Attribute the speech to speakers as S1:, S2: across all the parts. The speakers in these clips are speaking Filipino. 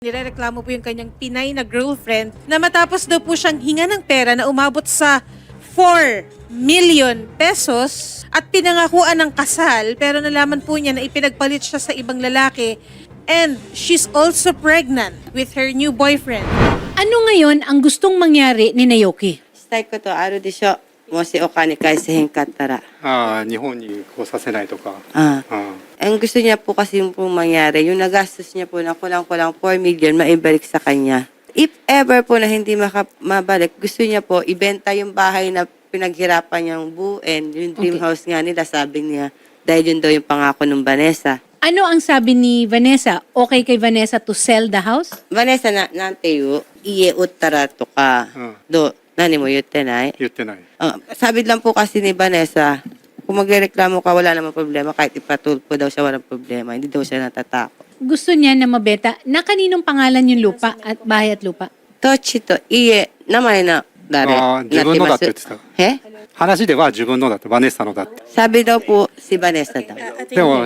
S1: Nirereklamo po yung kanyang Pinay na girlfriend na matapos daw po siyang hinga ng pera na umabot sa 4 million pesos at pinangakuan ng kasal pero nalaman po niya na ipinagpalit siya sa ibang lalaki and she's also pregnant with her new boyfriend.
S2: Ano ngayon ang gustong mangyari ni Naoki?
S3: したいことあるでしょ。もしお金返せへんかったら。
S4: 日本に来させないとか。
S3: Ang gusto niya po kasi yung pong mangyari, yung nagastos niya po na kulang-kulang 4 million, maibalik sa kanya. If ever po na hindi mabalik, gusto niya po ibenta yung bahay na pinaghirapan niyang buuin, yung dream house nga nila, sabi niya, dahil yun daw yung pangako ng Vanessa.
S2: Ano ang sabi ni Vanessa? Okay kay Vanessa to sell the house?
S3: Vanessa, nante yu, iye uttara to ka. Nani mo yutte nai?
S4: 言ってない。
S3: Sabi lang po kasi ni Vanessa, kung magreklamo ka, wala namang problema. Kahit ipatulpo daw siya, walang problema. Hindi daw siya natatakot.
S2: Gusto niya na mabeta na kaninong pangalan yung lupa at bahay at lupa?
S3: Tochi to iye, namay na dare.
S4: 自分のだって言ってた。
S3: He?
S4: 話では自分のだって、バネッサのだって。
S3: Sabi daw po si Vanessa daw.
S4: でも、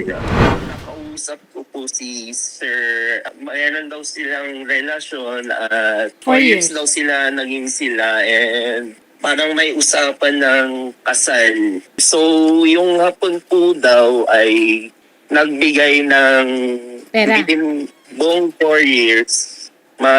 S5: Nakausap ko po si Sir, mayroon daw silang relasyon at 4 years daw sila naging sila and parang may usapan ng kasal. So, yung hapon po daw ay nagbigay ng
S2: Pera.
S5: within buong 4 years, mga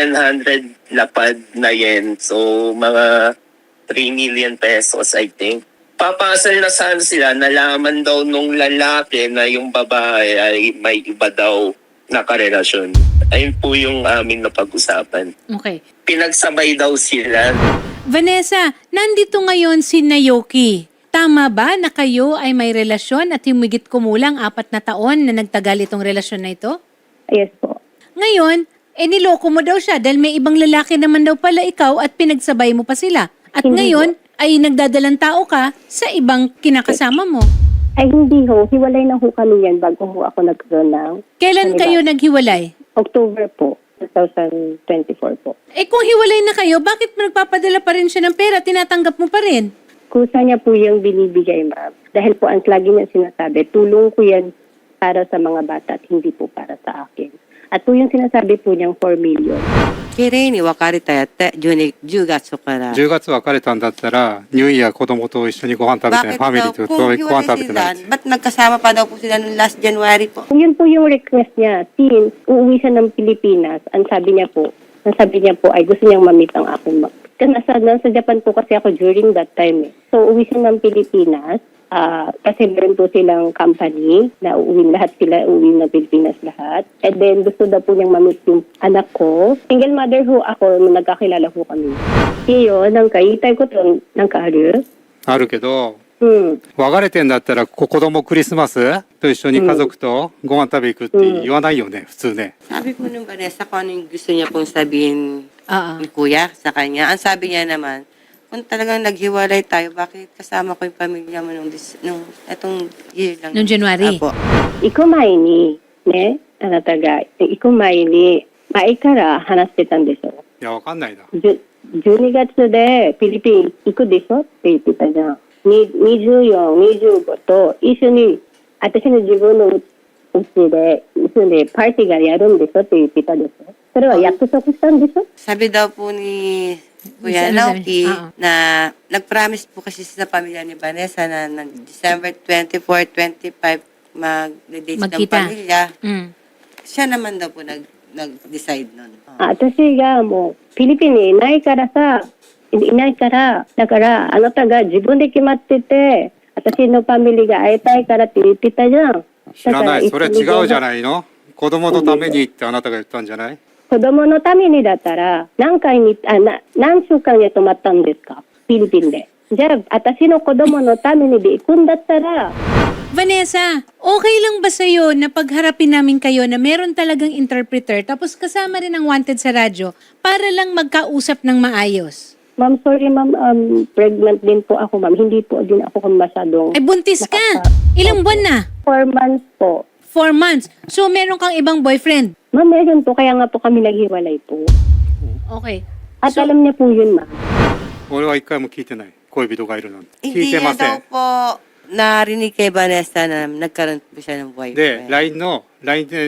S5: 700 lapad na yen. So, mga 3 million pesos, I think. Papasal na sana sila, nalaman daw nung lalaki na yung babae ay may iba daw na karelasyon. Ayun po yung amin na pag-usapan.
S2: Okay.
S5: Pinagsabay daw sila.
S2: Vanessa, nandito ngayon si Naoki. Tama ba na kayo ay may relasyon at humigit kumulang 4 na taon na nagtagal itong relasyon na ito?
S6: Yes po.
S2: Ngayon, niloko mo daw siya dahil may ibang lalaki naman daw pala ikaw at pinagsabay mo pa sila. At
S6: Hindi
S2: ngayon, ay nagdadalang tao ka sa ibang kinakasama mo.
S6: Ay hindi ho, hiwalay na ho kami yan bago ho ako nagkaroon ng
S2: Kailan kayo naghiwalay?
S6: October po, 2024 po.
S2: Kung hiwalay na kayo, bakit mo nagpapadala pa rin siya ng pera? Tinatanggap mo pa rin?
S6: Kusa niya po yung binibigay, ma'am. Dahil po ang lagi niya sinasabi, tulong ko yan para sa mga bata at hindi po para sa akin. At po yung sinasabi po niyang 4 million.
S3: 綺麗に別れたやって10月から
S4: 10月別れたんだったら、ニューイヤー子供と一緒にご飯食べてない、ファミリーとご飯食べてない。
S3: Ba't nagkasama pa daw po sila noong last January po?
S6: Yun po yung request niya. Since uuwi siya ng Pilipinas, ang sabi niya po ay gusto niyang mamit ang aking nasa Japan po kasi ako during that time. So uuwi siya ng Pilipinas. Kasi meron po silang company na uuwi ng Pilipinas lahat. And then gusto daw po niyang mamit yung anak ko. Single mother ho ako, nagkakilala ho kami. Iyo, nang kaitay ko to, nang kaaru.
S4: あるけど、
S6: Hmm.
S4: 別れてんだったら、子供クリスマスと一緒に家族とご飯食べ行くって言わないよね、普通ね。
S3: Sabi po nung Vanessa kung ano yung gusto niya pong sabihin ni Kuya sa kanya. Ang sabi niya naman, kung talagang naghiwalay tayo, bakit kasama ko yung pamilya mo nung etong year lang?
S2: Noong January?
S3: Apo.
S6: 行く前に、ね、あなたが行く前に、前から話してたんでしょ。
S4: いや、わかんないな。
S6: 12月でフィリピン行くでしょって言ってたじゃん。24、25と一緒に、私の自分のうちで、一緒にパーティーがやるんでしょって言ってたでしょ。それは約束したんでしょ。
S3: Sabi daw po ni Kuya
S2: Ano sabi?
S3: Naoki na nag-promise po kasi sa pamilya ni Vanessa na December 24, 25 mag-date ng
S2: Magkita.
S3: pamilya.
S2: Mm.
S3: Siya naman daw po nag-decide nun.
S6: 私がもうフィリピンにいないからさ、いないから、だからあなたが自分で決まってて、私のファミリーが会いたいからって言ってたじゃん。
S4: 知らない。それ違うじゃ
S6: い。
S4: ないの？子供のためにってあなたが言ったんじゃない？
S6: 子供のためにだったら、何週間で泊まったんですかフィリピンで。じゃあ、私の子供のためにで行くんだったら、
S2: Vanessa, okay lang ba sa'yo na pagharapin namin kayo na meron talagang interpreter tapos kasama rin ang wanted sa radyo para lang magkausap ng maayos?
S6: ma'am, sorry ma'am, pregnant din po ako ma'am. Hindi po din ako masyadong...
S2: Ay, buntis ka! Ilang buwan na?
S6: 4 months po.
S2: 4 months. So, meron kang ibang boyfriend?
S6: Ma'am, meron po. Kaya nga po kami naghiwalay po.
S2: Okay.
S6: At alam niya po yun ma'am.
S4: 俺は一回も聞いてない。恋人がいるなんて。聞
S3: Hindi
S4: いてま
S3: niya
S4: せ
S3: daw
S4: ん。
S3: po narinig kay Vanessa na nagkaroon po siya ng boyfriend.
S4: で、LINE でね、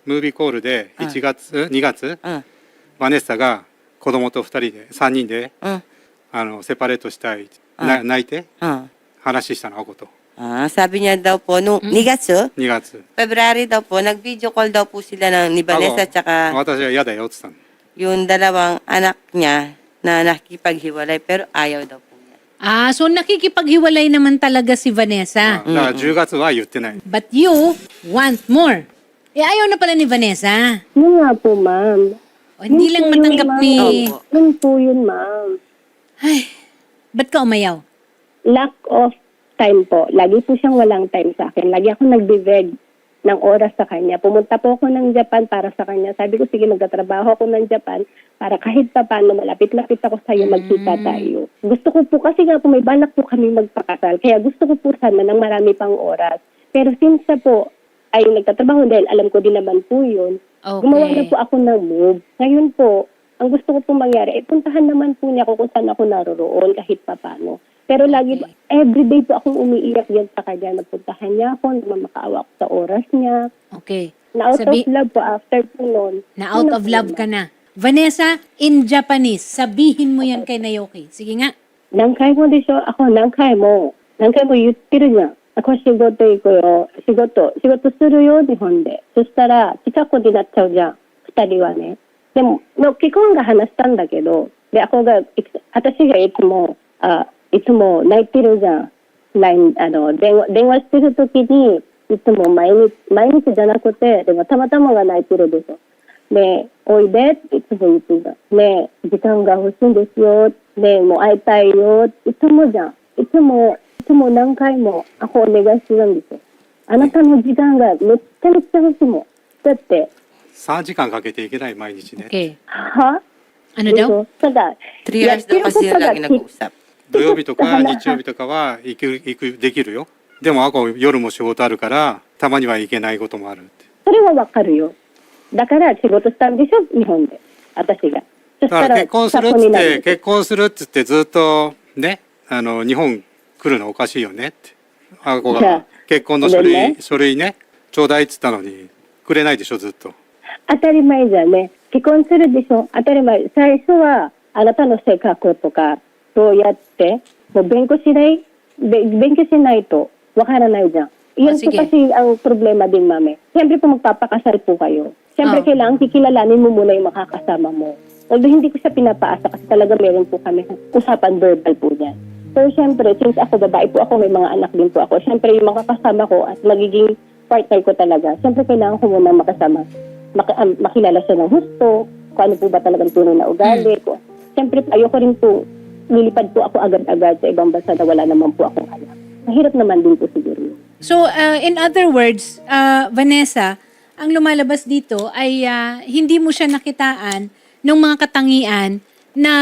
S4: ムービーコールで1月、2月、
S3: うん。
S4: バネッサが子供と2人で3人で
S3: うん。
S4: セパレートしたい、泣いて
S3: Mm.
S4: 話したのako to
S3: Sabi niya daw po, nung 2 月,
S4: 2月
S3: February daw po, nag-video call daw po sila ni Vanessa tsaka
S4: 私は嫌だよって言ったの
S3: yung dalawang anak niya na nakikipaghiwalay pero ayaw daw po niya.
S2: Ah, so nakikipaghiwalay naman talaga si Vanessa.
S4: だから10月は言ってない
S2: But you want more. Eh, ayaw na pala ni Vanessa.
S6: Yun nga po, ma'am.
S2: O, hindi
S6: Yun
S2: lang
S6: po yun,
S2: matanggap
S6: ma'am.
S2: ni...
S3: Opo.
S6: Yun po yun, ma'am.
S2: Ay, ba't ka umayaw?
S6: Lack of time po. Lagi po siyang walang time sa akin. Lagi ako nagbe-beg ng oras sa kanya. Pumunta po ako ng Japan para sa kanya. Sabi ko, sige, magtatrabaho ako ng Japan para kahit pa paano malapit-lapit ako sa iyo, magkita tayo. Gusto ko po, kasi nga po may balak po kami magpakasal. Kaya gusto ko po sana ng marami pang oras. Pero since na po ay nagtatrabaho dahil alam ko din naman po yun,
S2: Okay.
S6: gumawa na po ako ng move. Ngayon po, ang gusto ko po mangyari, puntahan naman po niya kung saan ako naroroon kahit pa paano. Pero lagi, everyday po akong umiiyak yan sa kanya. Napuntahan niya ako, namakaawa ako sa oras niya.
S2: Okay.
S6: Na out
S2: Sabi-
S6: of love po after po noon.
S2: Na out of love ka na. Vanessa, in Japanese, sabihin mo yan kay Naoki. Sige nga.
S6: 何回もでしょako何回も言ってるじゃん。ako仕事行くよ。仕事するよ、日本で。そしたら、近くになっちゃうじゃん。二人はね。でも、結婚が話したんだけど、で、私がいつも泣いてるじゃん。電話してるときに、いつも毎日じゃなくて、でもたまたまが泣いてるでしょ。ねえ、おいでっていつも言ってた。ねえ、時間が欲しいんですよ。ねえ、もう会いたいよ。いつもじゃん。いつも何回もakoお願いするんですよ。あなたの時間がめっちゃ欲しいもん。だって、
S4: 3時間かけていけない毎日ね
S2: Okay.
S6: は
S2: Ano
S6: でし
S2: daw?
S6: ょただ、
S3: 3 years daw kasi yung lagi nag-uusap.
S4: 土曜日とか日曜日とかは行くできるよでもako夜も仕事あるからたまには行けないこともあるって
S6: それはわかるよ。だから仕事したんでしょ日本で。私が。そし
S4: だか
S6: たら、
S4: ら結婚するっつって結婚するっつってずっとね日本来るのおかしいよねってあこ
S6: じゃあ
S4: が結婚の書類ねちょうだいっつったのにくれないでしょずっと
S6: 当たり前じゃね。結婚するでしょ当たり前。最初は、あなたの性格とか、そうやって、もう勉強しないと、わからないじゃん。Yun po
S2: sige.
S6: kasi ang problema din, mami. Siyempre po magpapakasal po kayo. Siyempre
S2: Oh.
S6: kailangan kikilalanin mo muna yung makakasama mo. Although hindi ko siya pinapaasa kasi talaga meron po kami usapan verbal po niyan. So siyempre, since ako babae po ako, may mga anak din po ako. Siyempre yung makakasama ko at magiging partner ko talaga. Siyempre kailangan ko muna makasama. Makilala siya ng husto, kung ano po ba talagang tunay na ugali ko. Siyempre, ayoko rin po, lilipad po ako agad-agad sa ibang bansa na wala naman po akong anak. Mahirap naman din po siguro.
S2: So, in other words, Vanessa, ang lumalabas dito ay hindi mo siya nakitaan ng mga katangian na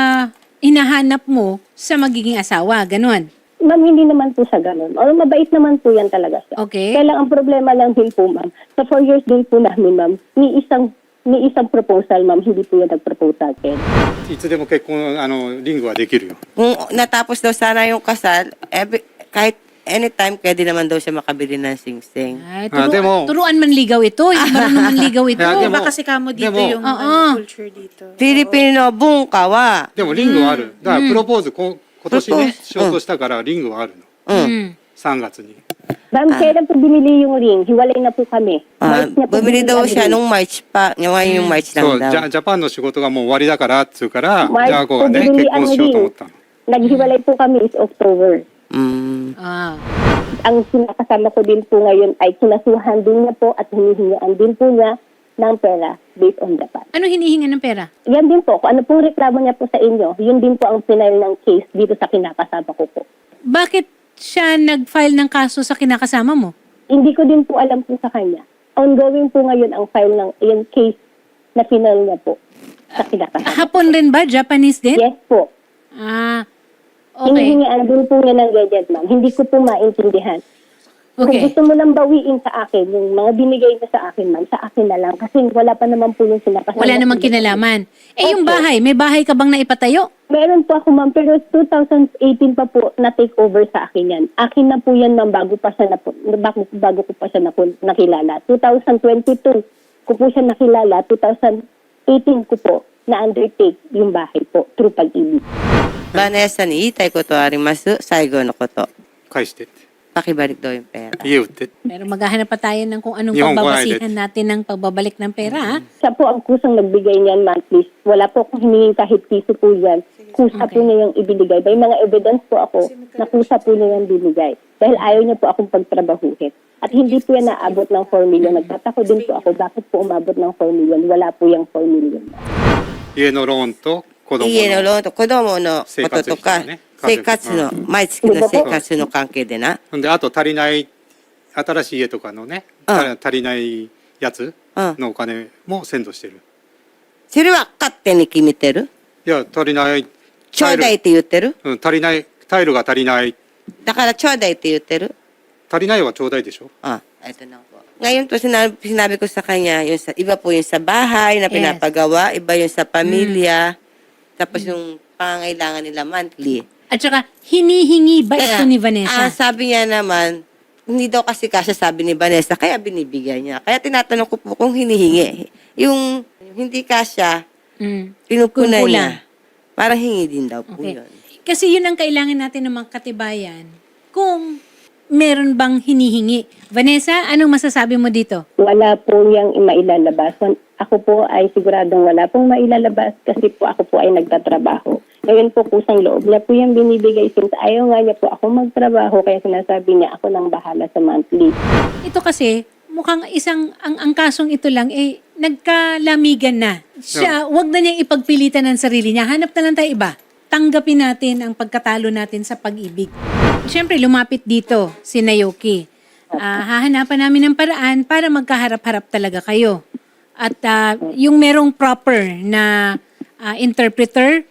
S2: hinahanap mo sa magiging asawa. Ganon.
S6: Ma'am, hindi naman po siya ganun. O, mabait naman po yan talaga siya.
S2: Okay.
S6: Kaya lang ang problema lang din po, ma'am. Sa 4 years din po namin, ma'am, ni isang proposal, ma'am, hindi po yan nag-propose sa akin.
S4: いつでも結婚リングはできるよ
S3: Kung natapos daw sana yung kasal, kahit anytime, pwede naman daw siya makabili ng sing-sing.
S2: Ay,
S4: demo.
S2: turuan manligaw ito. Hindi marunong manligaw ito.
S4: Kaya demo.
S1: Iba kasi kamo dito
S4: Demo.
S1: yung
S2: Oo.
S1: culture dito.
S3: Filipino, buong kawa.
S4: でもリングはあるだからプロポーズ今年ね
S3: プロポーズ
S4: しようとしたからリングはあるの
S2: Mm.
S4: 3月に
S6: Ma'am, kailan po binili yung ring? Hiwalay na po kami. March niya po
S3: Bumili
S6: binili
S3: daw
S6: ang
S3: siya
S6: ring.
S3: nung March pa. Ngayon yung March
S4: そ
S3: lang
S4: う
S3: daw.
S4: ジャパンの仕事がもう終わりだからっつうから
S6: マイ
S4: じゃあこがね
S6: ポビリ
S4: 結婚しようと思ったの
S6: Naghiwalay po kami is October.
S3: Mm.
S2: Ah.
S6: Ang kinakasama ko din po ngayon ay kinasuhan din niya po at hinihingaan din po niya ng pera based on Japan.
S2: Ano hinihinga ng pera?
S6: Yan din po, kung ano pong reklamo niya po sa inyo, yun din po ang final ng case dito sa kinakasama ko po.
S2: Bakit siya nag-file ng kaso sa kinakasama mo?
S6: Hindi ko din po alam po sa kanya. Ongoing po ngayon ang file ng yung case na final niya po sa kinakasama.
S2: Hapon rin ba? Japanese din?
S6: Yes po.
S2: Ah, okay.
S6: Hinihingaan din po niya ng gadget, ma'am. Hindi ko po maintindihan. Kung
S2: Okay.
S6: gusto mo lang bawiin sa akin, yung mga binigay niya sa akin, ma'am, sa akin na lang. Kasi wala pa naman po yung sinakasama.
S2: Wala namang kinalaman. Eh, yung bahay, may bahay ka bang naipatayo?
S6: Meron po ako, ma'am, pero 2018 pa po na-take over sa akin yan. Akin na po yan, ma'am, bago ko pa siya nakilala. 2022, ko po siya nakilala, 2018 ko po na-undertake yung bahay po through Pag-ibig.
S3: Vanessa ni itay ko to arimasu, saigo no koto.
S4: 返してって
S3: Pakibalik daw yung pera.
S4: 家売ってって
S2: Pero maghahanap pa tayo ng kung anong
S4: Yung
S2: pagbabasihan natin ng pagbabalik ng pera. Ha?
S6: Siya po ang kusang nagbigay niyan monthly. Wala po akong hiningin kahit piso po yan. Kusa po niya yung ibinigay. May mga evidence po ako na kusa po niya yung binigay. Dahil ayaw niya po akong pagtrabahuhin. At hindi po yan naabot ng 4 million. Nagtatako din po ako, bakit po umabot ng 4 million? Wala po yung 4 million.
S4: 家のローンと子供
S3: 家の
S4: の
S3: ローンと子供のこととか、生活の、毎月の生活の関係でな。
S4: ほんであと足りない新しい家とかのね、足りないやつのお金もセンドしてる。
S3: それは勝手に決めてる？
S4: いや足りない
S3: ちょうだいって言ってる？
S4: 足りないタイルが足りない。
S3: だからちょうだいって言ってる？
S4: 足りないはちょうだいでしょ。
S3: Ito na po. Ngayon po, sinabi ko sa kanya, yung sa, iba po yung sa bahay na pinapagawa, iba yung sa pamilya, tapos yung pangangailangan nila monthly.
S2: At saka, hinihingi ba ito ni Vanessa?
S3: Sabi niya naman, hindi daw kasi kasya sabi ni Vanessa, kaya binibigyan niya. Kaya tinatanong ko po kung hinihingi. Yung hindi kasya, pinupunan
S2: Kung
S3: niya. Parang hingi din daw po
S2: Okay.
S3: yun.
S2: Kasi yun ang kailangan natin ng mga katibayan. Kung meron bang hinihingi. Vanessa, anong masasabi mo dito?
S6: Wala po yung mailalabas. Ako po ay siguradong wala pong mailalabas kasi po ako po ay nagtatrabaho. Ngayon po kusang loob niya po yung binibigay since ayaw nga niya po ako magtrabaho kaya sinasabi niya ako nang bahala sa monthly.
S2: Ito kasi, mukhang ang kasong ito lang, nagkalamigan na. Siya, wag na niyang ipagpilitan ng sarili niya. Hanap na lang tayo iba. Tanggapin natin ang pagkatalo natin sa pag-ibig. Siyempre, lumapit dito si Naoki. Hahanapan namin ng paraan para magkaharap-harap talaga kayo. At yung merong proper na interpreter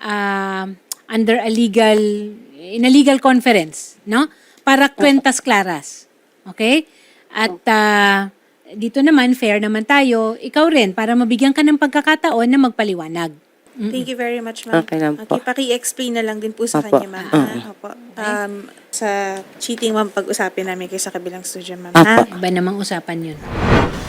S2: under in a legal conference, no? Para kwentas claras. Okay? At dito naman, fair naman tayo, ikaw rin, para mabigyan ka ng pagkakataon na magpaliwanag.
S1: Thank you very much, ma'am.
S3: Okay lang po.
S1: Okay, paki-explain na lang din po sa
S3: Apo.
S1: kanya, ma'am. Opo. Sa cheating, ma'am, pag-usapin namin kayo sa kabilang studio, ma'am.
S3: Apo.
S2: Iba namang usapan yun.